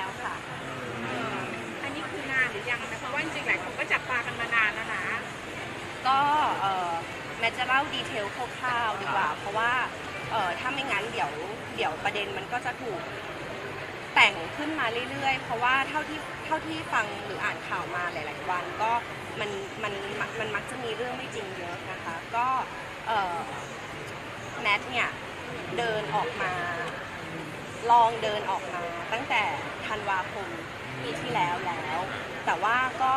แล้วค่ะอันนี้คือนานหรือยังนะเพราะว่าจริงๆหลายคนก็จับตากันมานานแล้วนะก็แมทจะเล่าดีเทลคร่าวๆดีกว่าเพราะว่าถ้าไม่งั้นเดี๋ยวประเด็นมันก็จะถูกแต่งขึ้นมาเรื่อยๆเพราะว่าเท่าที่ฟังหรืออ่านข่าวมาหลายๆวันก็มันมักจะมีเรื่องไม่จริงเยอะนะคะก็แมทเนี่ยเดินออกมาลองเดินออกมาตั้งแต่ธันวาคมปีที่แล้วแต่ว่าก็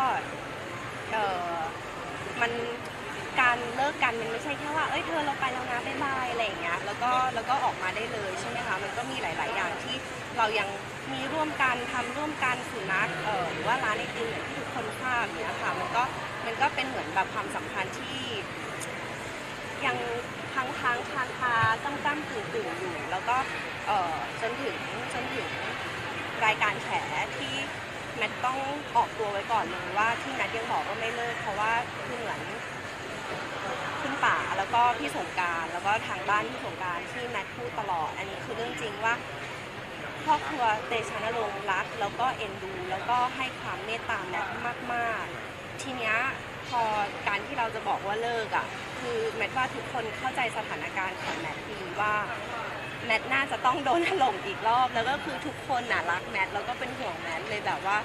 มันการเลิกกันมันไม่ใช่แค่ว่าเอ้ยเธอเราไปแล้วนะบ๊ายบายอะไรอย่างเงี้ยแล้วก็ออกมาได้เลยใช่ไหมคะมันก็มีหลายๆอย่างที่เรายังมีร่วมกันทำร่วมกันสุนัขหรือว่าร้านไอติมอย่างที่ทุกคนทราบเนี้ยค่ะมันก็เป็นเหมือนแบบความสัมพันธ์ที่ยังค้างคาจ้ำตื่นอยู่แล้วก็จนถึงรายการแฉที่แมทต้องออกตัวไว้ก่อนเลยว่าที่แมทยังบอกว่าไม่เลิกเพราะว่าคือเหมือนคุณป่าแล้วก็พี่สงกรานต์แล้วก็ทางบ้านพี่สงกรานต์ที่แมทพูดตลอดอันนี้คือเรื่องจริงว่าครอบครัวเตชะนรงค์รักแล้วก็เอ็นดูแล้วก็ให้ความเมตตาแมทมากๆทีเนี้ยพอการที่เราจะบอกว่าเลิกอ่ะคือแมทว่าทุกคนเข้าใจสถานการณ์ของแมทดีว่าแมทน่าจะต้องโดนถล่มอีกรอบแล้วก็คือทุกคนน่ะรักแมทแล้วก็เป็นห่วงแมทเลยแบบว่า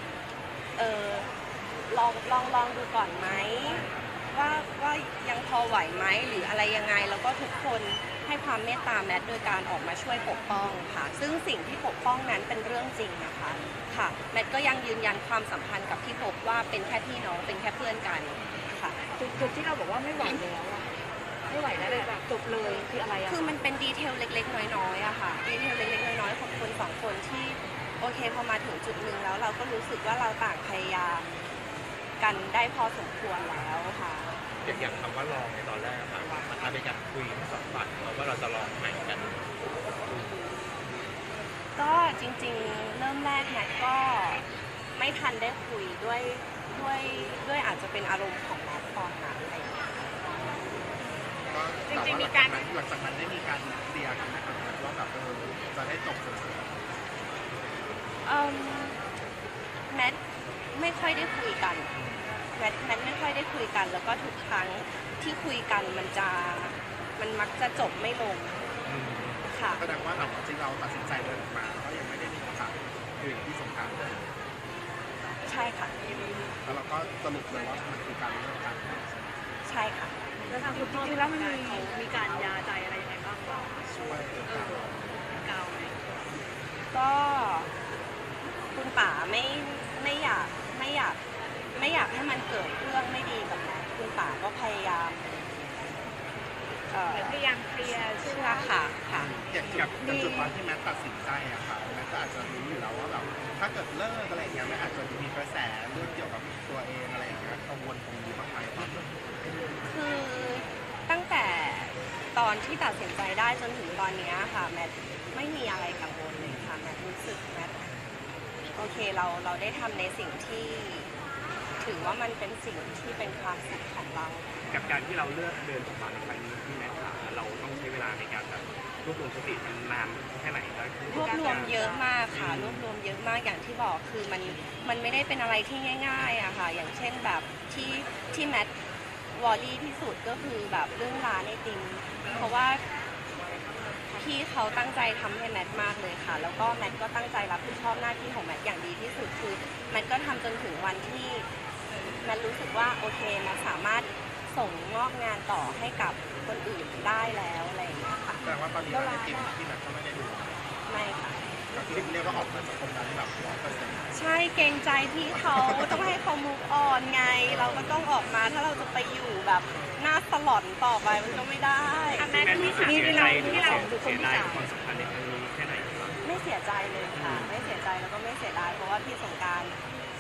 ลองดูก่อนไหมว่ายังพอไหวไหมหรืออะไรยังไงแล้วก็ทุกคนให้ความเมตตาแมทโดยการออกมาช่วยปกป้องค่ะซึ่งสิ่งที่ปกป้องนั้นเป็นเรื่องจริงนะคะค่ะแมทก็ยังยืนยันความสัมพันธ์กับพี่พบว่าเป็นแค่พี่น้องเป็นแค่เพื่อนกันค่ะจุดที่เราบอกว่าไม่ไหวแล้วอะไม่ไหวแล้วเลยแบบจบเลยคืออะไรอะคือมันเป็นดีเทลเล็กๆน้อยๆอะค่ะดีเทลเล็กๆน้อยๆของคนสองคนที่โอเคพอมาถึงจุดหนึ่งแล้วเราก็รู้สึกว่าเราต่างพยายามกันได้พอสมควรแล้วค่ะอย่างคำว่าลองในตอนแรกค่ะมันเป็นการคุยทั้งสองฝ่ายว่าเราจะลองใหม่กันก็จริงๆเริ่มแรกแมทก็ไม่ทันได้คุยด้วยอาจจะเป็นอารมณ์ของแมทตอนนั้นอะไรอย่างเงี้ยจริงๆมีการหลังจากนั้นได้มีการเคลียร์กันนะครับว่าแบบจะได้จบสวยแมทไม่ค่อยได้คุยกันแมทไม่ค่อยได้คุยกันแล้วก็ทุกครั้งที่คุยกันมันมักจะจบไม่ลงค่ะแสดงว่าหลังจากที่เราตัดสินใจเดินออกมาก็ยังไม่ได้มีโอกาสคุยกับที่สงกรานต์เลยใช่ค่ะแล้วเราก็สรุปเลยว่ามันคือการเลิกกันใช่ค่ะแล้วทางคุณพ่อจริงๆแล้วมันมีการยาใจอะไรยังไงบ้างก็ช่วยกาวไหมก็คุณป๋าไม่อยากให้มันเกิดเรื่องไม่ดีกับแมทคุณป๋าก็พยายามเคลียร์เชื่อค่ะอย่างจุดตอนที่แมทตัดสินใจอะค่ะแมทก็อาจจะรู้อยู่แล้วว่าแบบถ้าเกิดเลิกอะไรอย่างเงี้ยแมทอาจจะมีกระแสเรื่องเกี่ยวกับตัวเองอะไรอย่างเงี้ยกังวลตรงนี้บ้างไหมครับคือตั้งแต่ตอนที่ตัดสินใจได้จนถึงตอนนี้ค่ะแมทไม่มีอะไรกังวลเลยค่ะแมทรู้สึกแมทโอเคเราได้ทำในสิ่งที่ถือว่ามันเป็นสิ่งที่เป็นความสุขของเรากับการที่เราเลือกเดินออกมาในครั้งนี้ที่แม่ถามเราต้องใช้เวลาในการแบบรวบรวมสติมันนานแค่ไหนครับรวบรวมเยอะมากค่ะรวบรวมเยอะมากอย่างที่บอกคือมันไม่ได้เป็นอะไรที่ง่ายๆอะค่ะอย่างเช่นแบบที่แมทวอลลี่ที่สุดก็คือแบบเรื่องร้านไอติมเพราะว่าพี่เขาตั้งใจทำให้แมทมากเลยค่ะแล้วก็แมทก็ตั้งใจรับผิดชอบหน้าที่ของแมทอย่างดีที่สุดคือแมทก็ทำจนถึงวันที่แมทรู้สึกว่าโอเคแมทสามารถส่งมอบงานต่อให้กับคนอื่นได้แล้วอะไรอย่างเงี้ยค่ะแต่ว่าตอนนี้ในทีมที่แมทก็ไม่ได้ดูไม่ค่ะก็คือเรียกว่าออกมาจากตรงนั้นแบบ100% ใช่เกรงใจพี่เขาต้องให้เขามุกออนไงเราก็ต้องออกมาถ้าเราจะไปอยู่แบบหน้าสลอนต่อไปมันก็ไม่ได้แม่ที่เสียใจที่เราเสียดายความสัมพันธ์ในครั้งนี้แค่ไหนครับไม่เสียใจเลยค่ะไม่เสียใจแล้วก็ไม่เสียดายเพราะว่าพี่สงกรานต์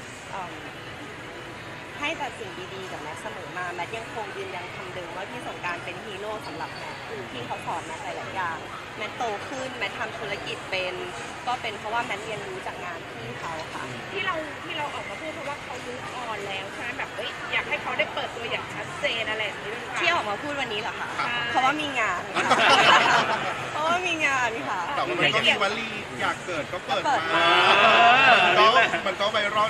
ให้แต่สิ่งดีๆกับแมทเสมอมาแมทยังคงยืนยันคำเดิมว่าพี่สงกรานต์เป็นฮีโร่สำหรับแมทคือพี่เขาสอนแมทหลายๆอย่างแมทโตขึ้นแมททำธุรกิจเป็นก็เป็นเพราะว่าแมทเรียนรู้จากงานพี่เขาค่ะที่เราออกมาพูดเพราะว่าเขารู้ออนแล้วใช่ไหมแบบอยากให้เขาได้เปิดตัวอย่างชัดเจนอะไรอย่างนี้ด้วยที่ออกมาพูดวันนี้เหรอคะเพราะว่ามีงานเพราะว่ามีงานค่ะแต่มันก็มีวลีอยากเกิดก็เปิดมา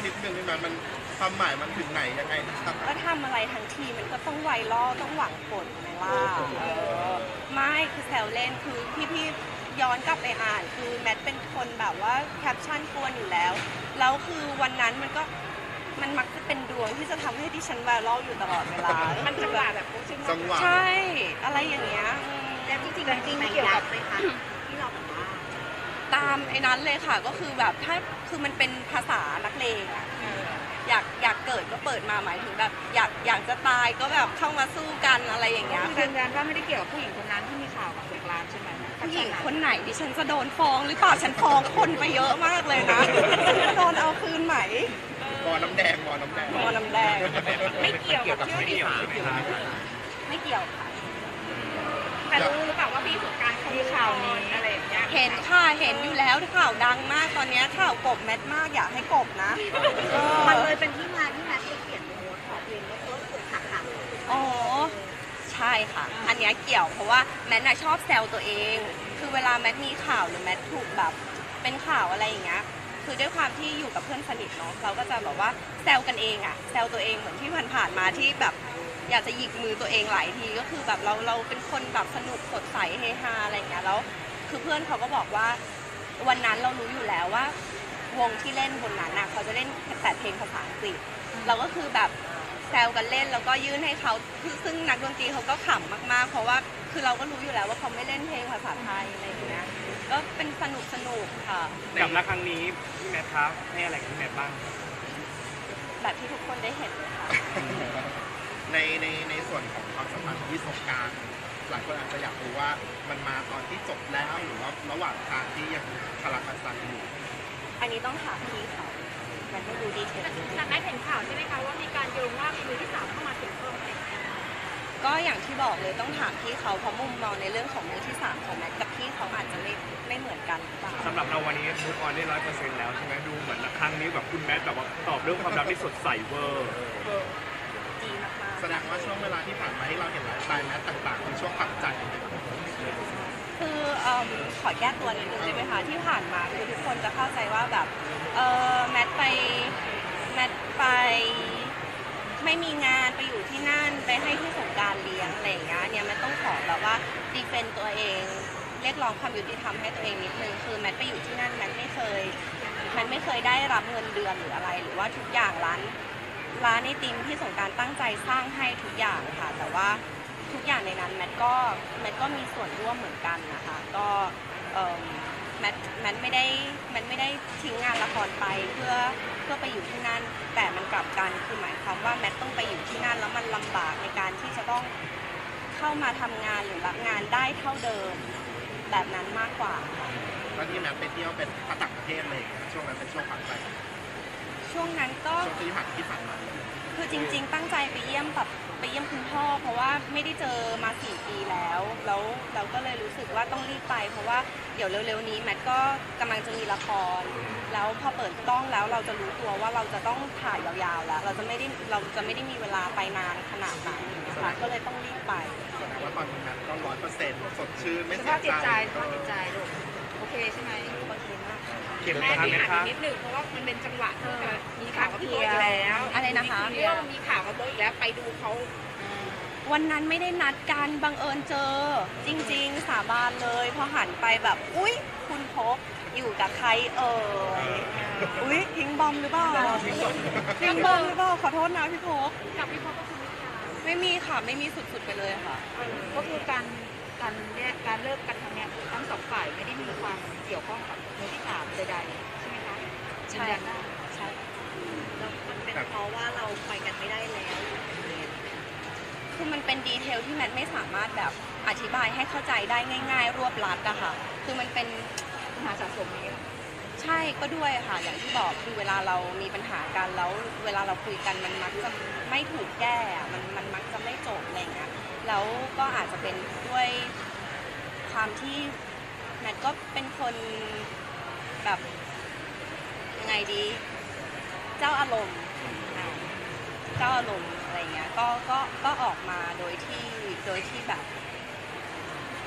นิดนึงได้ไหมมันความหมายมันถึงไหนยังไงนะครับก็ทำอะไรทั้งทีมันก็ต้องไวรัลต้องหวังผลไหมล่ะไม่คือแซวเล่นคือพี่ย้อนกลับไปอ่านคือแมทเป็นคนแบบว่าแคปชั่นกวนอยู่แล้วแล้วคือวันนั้นมันมักจะเป็นดวงที่จะทำให้ดิฉันไวรัลอยู่ตลอดเวลามันจังหวะแบบโอ้ใช่ไหมจังหวะใช่อะไรอย่างเงี้ยแล้วจริงๆมันเกี่ยวกับไหมคะที่เราบอกว่าตามไอ้นั้นเลยค่ะก็คือแบบถ้าคือมันเป็นภาษานักเลงอะอยากเกิดก็เปิดมาหมายถึงแบบอยากจะตายก็แบบเข้ามาสู้กันอะไรอย่างเงี้ยคือยืนยันว่าไม่ได้เกี่ยวกับผู้หญิงคนนั้นที่มีข่าวกับเด็กร้านใช่ไหมผู้หญิงคนไหนดิฉันจะโดนฟ้องหรือเปล่าฉันฟ้องคนไปเยอะมากเลยนะจะโดนเอาคืนไหมบ่อน้ำแดงบ่อน้ำแดงมอน้ำแดงไม่เกี่ยวกับที่ว่ามีข่าวไม่เกี่ยวค่ะแต่รู้หรือเปล่าว่าพี่สงกรารเขามีข่าวนี้อะไรอย่างเงี้ยเห็นค่ะเห็นอยู่แล้วข่าวดังมากตอนนี้ข่าวกบแมทมากอยากให้กบนะมันเลยเป็นที่มาที่แมทไปเขียนโน้ตขอเพลงแล้วก็เกิดหักอ๋อใช่ค่ะ อันเนี้ยเกี่ยวเพราะว่าแมทน่ะชอบแซวตัวเอง คือเวลาแมทมีข่าวหรือแมทถูกแบบเป็นข่าวอะไรอย่างเงี้ยคือด้วยความที่อยู่กับเพื่อนสนิทเนาะเราก็จะแบบว่าแซวกันเองอะแซวตัวเองเหมือนที่ผ่านๆมาที่แบบอยากจะหยิกมือตัวเองหลายทีก็คือแบบเราเป็นคนแบบสนุกสดใสเฮฮาอะไรอย่างเงี้ยแล้วคือเพื่อนเขาก็บอกว่าวันนั้นเรารู้อยู่แล้วว่าวงที่เล่นบนนั้นน่ะเขาจะเล่นแต่เพลงภาษาอังกฤษเราก็คือแบบแซวกันเล่นแล้วก็ยื่นให้เขาคือซึ่งนักดนตรีเขาก็ขำมากๆเพราะว่าคือเราก็รู้อยู่แล้วว่าเขาไม่เล่นเพลงภาษาไทยอะไรอย่างเงี้ยก็เป็นสนุกค่ะกับรักครั้งนี้พี่แมทครับให้อะไรกับพี่แมทบ้างแบบที่ทุกคนได้เห็นเลยค่ะในส่วนของความสัมพันธ์ที่สงกรารหลายคนอาจจะอยากรู้ว่ามันมาตอนที่จบแล้วหรือว่าระหว่างทางที่ยังคาราคาซังอยู่อันนี้ต้องถามพี่เขามันไม่รู้ดีเทลแต่แม่เห็นข่าวใช่ไหมคะว่ามีการโยงว่ามีมือที่สามเข้ามาเกี่ยวข้องอะไรอย่างเงี้ยก็อย่างที่บอกเลยต้องถามพี่เขาเพราะมุมมองในเรื่องของมือที่สามของแมทกับพี่เขาอาจจะไม่เหมือนกันหรือเปล่าสำหรับเราวันนี้มูฟออนได้100%แล้วใช่ไหมดูเหมือนครั้งนี้แบบคุณแมทแบบว่าตอบเรื่องความรักที่สดใสเวอร์ดีมากแสดงว่าช่วงเวลาที่ผ่านมาที่เราเห็นไลฟ์สไตล์แมทต่างๆเป็นช่วงปรับใจๆคือขอแก้ตัวนิดนึงได้ไหมคะที่ผ่านมาคือทุกคนจะเข้าใจว่าแบบแมทไปไม่มีงานไปอยู่ที่นั่นไปให้ที่สงกรารเลี้ยงอะไรอย่างเงี้ยเนี่ยแมทต้องขอแบบว่าดีเฟนต์ตัวเองเรียกร้องความยุติธรรมให้ตัวเองนิดนึงคือแมทไปอยู่ที่นั่นแมทไม่เคยได้รับเงินเดือนหรืออะไรหรือว่าทุกอย่างร้านไอติมที่สงกรารตั้งใจสร้างให้ทุกอย่างค่ะแต่ว่าทุกอย่างในนั้นแมทก็มีส่วนร่วมเหมือนกันนะคะก็แมทไม่ได้ทิ้งงานละครไปเพื่อไปอยู่ที่นั่นแต่มันกลับกันคือหมายความว่าแมทต้องไปอยู่ที่นั่นแล้วมันลำบากในการที่จะต้องเข้ามาทำงานหรือรับงานได้เท่าเดิมแบบนั้นมากกว่าค่ะตอนที่แมทไปเที่ยวเป็นต่างประเทศอะไรอย่างเลยช่วงนั้นเป็นช่วงปรับใจช่วงนั้นก็ช่วงที่ผ่านมาคือจริงๆตั้งใจไปเยี่ยมคุณพ่อเพราะว่าไม่ได้เจอมา4 ปีแล้วเราก็เลยรู้สึกว่าต้องรีบไปเพราะว่าเดี๋ยวเร็วๆนี้แมทก็กำลังจะมีละครแล้วพอเปิดกล้องแล้วเราจะรู้ตัวว่าเราจะต้องถ่ายยาวๆแล้วเราจะไม่ได้มีเวลาไปนานขนาดนั้นนะคะก็เลยต้องรีบไปแสดงว่าตอนนี้แมทก็100%สดชื่นไม่สเสีภาย พจิตใจใจสภาพจิตใจลูกโอเคใช่ไหมโอเคมากค่ะเข็มแม่ทางที่ไหมอ่านครับนิดหนึ่งเพราะว่ามันเป็นจังหวะที่จะมีข่าวกับโบ๊ทอีกแล้วอะไรนะคะเรื่องมีข่าวกับโบ๊ทอีกแล้วไปดูเขาวันนั้นไม่ได้นัดกันบังเอิญเจอจริงๆสาบานเลยพอหันไปแบบอุ๊ยคุณพกอยู่กับใครเอ่ยอุ๊ยทิ้งบอมหรือเปล่าทิ้งบอมหรือเปล่าขอโทษนะพี่พกกับพี่พ่อก็คือไม่มีค่ะไม่มีค่ะไม่มีสุดๆไปเลยค่ะก็คือการเลิกกันครั้งเนี้ยทั้งสองฝ่ายไม่ได้มีความเกี่ยวข้องกับมือที่สามใดๆใช่ไหมคะใช่ยืนยันได้ใช่แล้วมันเป็นเพราะว่าเราไปกันไม่ได้แล้วคือมันเป็นดีเทลที่แมทไม่สามารถแบบอธิบายให้เข้าใจได้ง่ายๆ รวบลัดอะค่ะคือมันเป็นปัญหาสะสมนี้ใช่ก็ด้วยค่ะอย่างที่บอกคือเวลาเรามีปัญหากันแล้วเวลาเราคุยกันมันมักจะไม่ถูกแก้อะมันมักจะไม่จบอะไรเงี้ยแล้วก็อาจจะเป็นด้วยความที่แมทก็เป็นคนแบบยังไงดีเจ้าอารมณ์เจ้าอารมณ์อะไรเงี้ยก็ออกมาโดยที่แบบ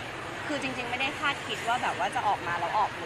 คือจริงๆไม่ได้คาดคิดว่าแบบว่าจะออกมาแล้วออกเลย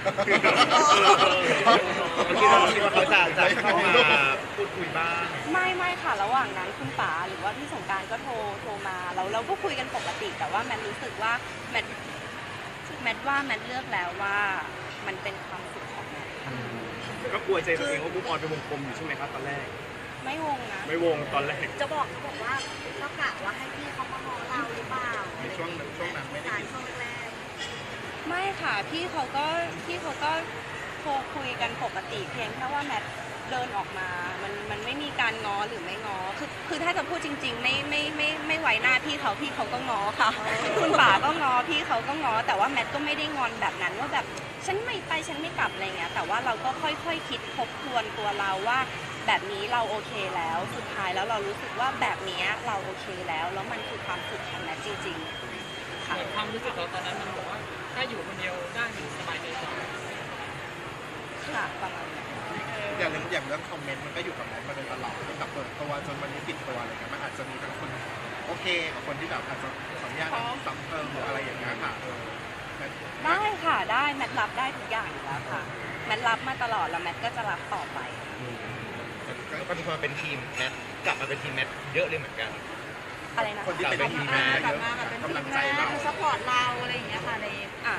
คิดว่าเขาจะเข้ามาพูดคุยบ้างไม่ค่ะระหว่างนั้นคุณป๋าหรือว่าพี่สงกรานต์ก็โทรมาเราก็คุยกันปกติ แต่ว่าแมทรู้สึกว่าแมทเลือกแล้วว่ามันเป็นความสุขของแมทค่ะก็กลัวใจตัวเองว่ามุกออนเป็นวงกลมอยู่ใช่ไหมครับตอนแรกไม่วงนะไม่วงตอนแรกจะบอกเขาบอกว่าก็กะว่าให้พี่เขามาง้อเราหรือเปล่าในช่วงนั้นไม่ได้การคิดช่วงแรกไม่ค่ะพี่เขาก็โทรคุยกันปกติเพียงแค่ว่าแมทเดินออกมามันไม่มีการง้อหรือไม่ง้อคือถ้าจะพูดจริงๆไม่ไว้หน้าพี่เขาก็ง้อค่ะ คุณป๋าก็ง้อพี่เขาก็ง้อแต่ว่าแมทก็ไม่ได้งอนแบบนั้นว่าแบบฉันไม่ไปฉันไม่กลับอะไรเงี้ยแต่ว่าเราก็ค่อยๆคิดทบทวนตัวเราว่าแบบนี้เราโอเคแล้วสุดท้ายแล้วเรารู้สึกว่าแบบนี้เราโอเคแล้วมันคือความสุขของแมทจริงๆค่ะความรู้สึกเราตอนนั้นมันบอกว่าถ้าอยู่คนเดียวได้มันสบายใจกว่าค่ะประมาณนั้นอย่างเรื่องคอมเมนต์มันก็อยู่กับแมทมาโดยตลอดตั้งแต่เปิดตัวจนวันนี้ปิดตัวอะไรเงี้ยมันอาจจะมีทั้งคนโอเคกับคนที่แบบอาจจะขออนุญาตซ้ำเติมหรืออะไรอย่างเงี้ยค่ะแมทได้ค่ะได้แมทรับได้ทุกอย่างอยู่แล้วค่ะแมทรับมาตลอดแล้วแมทก็จะรับต่อไปแล้วก็มีคนมาเป็นทีมแมทกลับมาเป็นทีมแมทเยอะเลยเหมือนกันอะไรนะคนที่เป็นทีมแมทกลับมาแบบเป็นกำลังทีมใจแม่เราซัพพอร์ตเราอะไรอย่างเงี้ยค่ะในอ่า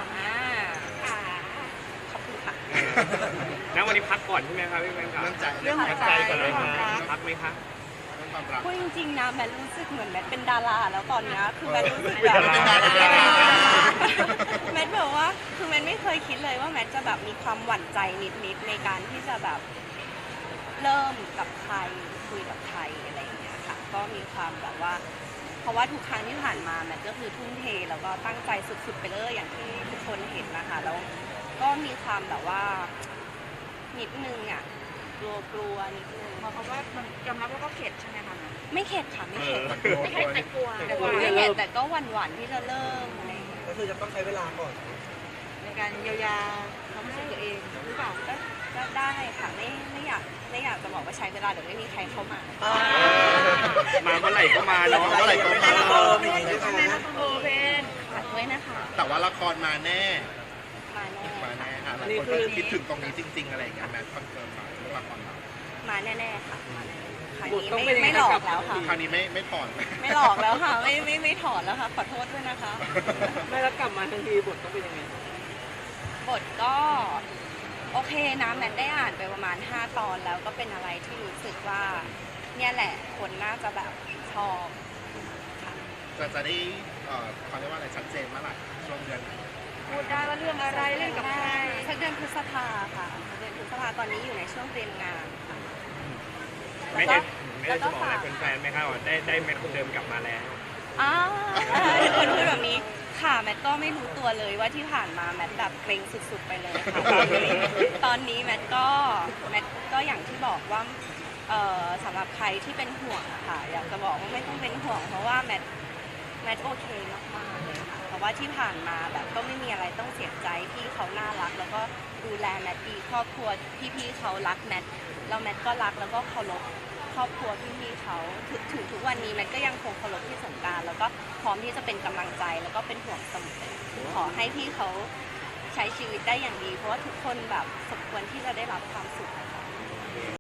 ขอบคุณค่ะแล้ววันนี้พักก่อนใช่ไหมครับพี่แมนครับเรื่องใจเรื่องหัวใจก่อนเลยเรื่องความรักพักไหมคะเรื่องความรักพูดจริงๆนะแมทรู้สึกเหมือนแมทเป็นดาราแล้วตอนเนี้ยคือแมทรู้สึกแบบเป็นดาราแมทแบบว่าคือแมทไม่เคยคิดเลยว่าแมทจะแบบมีความหวั่นใจนิดๆในการที่จะแบบเริ่มกับใครคุยกับใครอะไรอย่างเงี้ยค่ะก็มีความแบบว่า เพราะว่าทุกครั้งที่ผ่านมาแมทก็คือทุ่มเทแล้วก็ตั้งใจสุดๆไปเลยอย่างที่ทุกคนเห็นนะคะแล้วก็มีความแบบว่านิดนึงอ่ะกลัวนิดนึงเพราะว่ามันยอมรับว่าก็เข็ดใช่ไหมคะไม่เข็ดค่ะไม่เข็ดไม่เข็ดแต่กลัวไม่เข็ดแต่ก็หวั่นๆที่จะเริ่มอะไรอย่างเงี้ยก็คือจะต้องใช้เวลาก่อนในการเยียวยาความรู้สึกตัวเองหรือเปล่าก็ได้ค่ะไม่อยากจะบอกว่าใช้เวลาเดี๋ยวไม่มีใครเข้ามามาเมื่อไหร่ก็มาเนาะเมื่อไหร่ก็มาใช่ไหมคะคุณโบเพนฝากด้วยนะคะแต่ว่าละครมาแน่มาแน่มาแน่ค่ะหลายคนก็คิดถึงตรงนี้จริง ๆ อะไรอย่างเงี้ยแมทคอนเฟิร์มมาเรื่องละครมามาแน่ๆค่ะมาแน่ๆครั้งนี้ไม่หลอกแล้วค่ะคราวนี้ไม่ถอนไม่หลอกแล้วค่ะไม่ถอนแล้วค่ะขอโทษด้วยนะคะไม่แล้วกลับมาทันทีบทต้องเป็นยังไงบทก็โอเคนะแมทได้อ่านไปประมาณ5 ตอนแล้วก็เป็นอะไรที่รู้สึกว่าเนี่ยแหละคนน่าจะแบบชอบค่ะจะได้เขาเรียกว่าอะไรชัดเจนเมื่อไหร่ช่วงเดือนไหนพูดได้ว่าเรื่องอะไรเรื่องกับใครสักเดือนพฤษภาค่ะเดือนพฤษภาตอนนี้อยู่ในช่วงเตรียมงานค่ะไม่ได้จะบอกอะไรแฟนๆไหมครับว่าได้แมทคนเดิมกลับมาแล้วอ้าวทุกคนพูดแบบนี้ค่ะแมทก็ไม่รู้ตัวเลยว่าที่ผ่านมาแมทแบบเกรงสุดๆไปเลยค่ะตอนนี้แมทก็อย่างที่บอกว่าสำหรับใครที่เป็นห่วงอะค่ะอยากจะบอกว่าไม่ต้องเป็นห่วงเพราะว่าแมทโอเคมากๆเลยค่ะเพราะว่าที่ผ่านมาแบบก็ไม่มีอะไรต้องเสียใจพี่เขาน่ารัก แล้วก็ดูแลแมทดีครอบครัวพี่ๆเขารักแมทแล้วแมทก็รักแล้วก็เคารพครอบครัวพี่ๆเขาถึงทุกวันนี้แมทก็ยังคงเคารพพี่สงกรานต์แล้วก็พร้อมที่จะเป็นกำลังใจแล้วก็เป็นห่วงเสมอขอให้พี่เขาใช้ชีวิตได้อย่างดี เพราะว่าทุกคนแบบสมควรที่จะได้รับความสุขนะคะ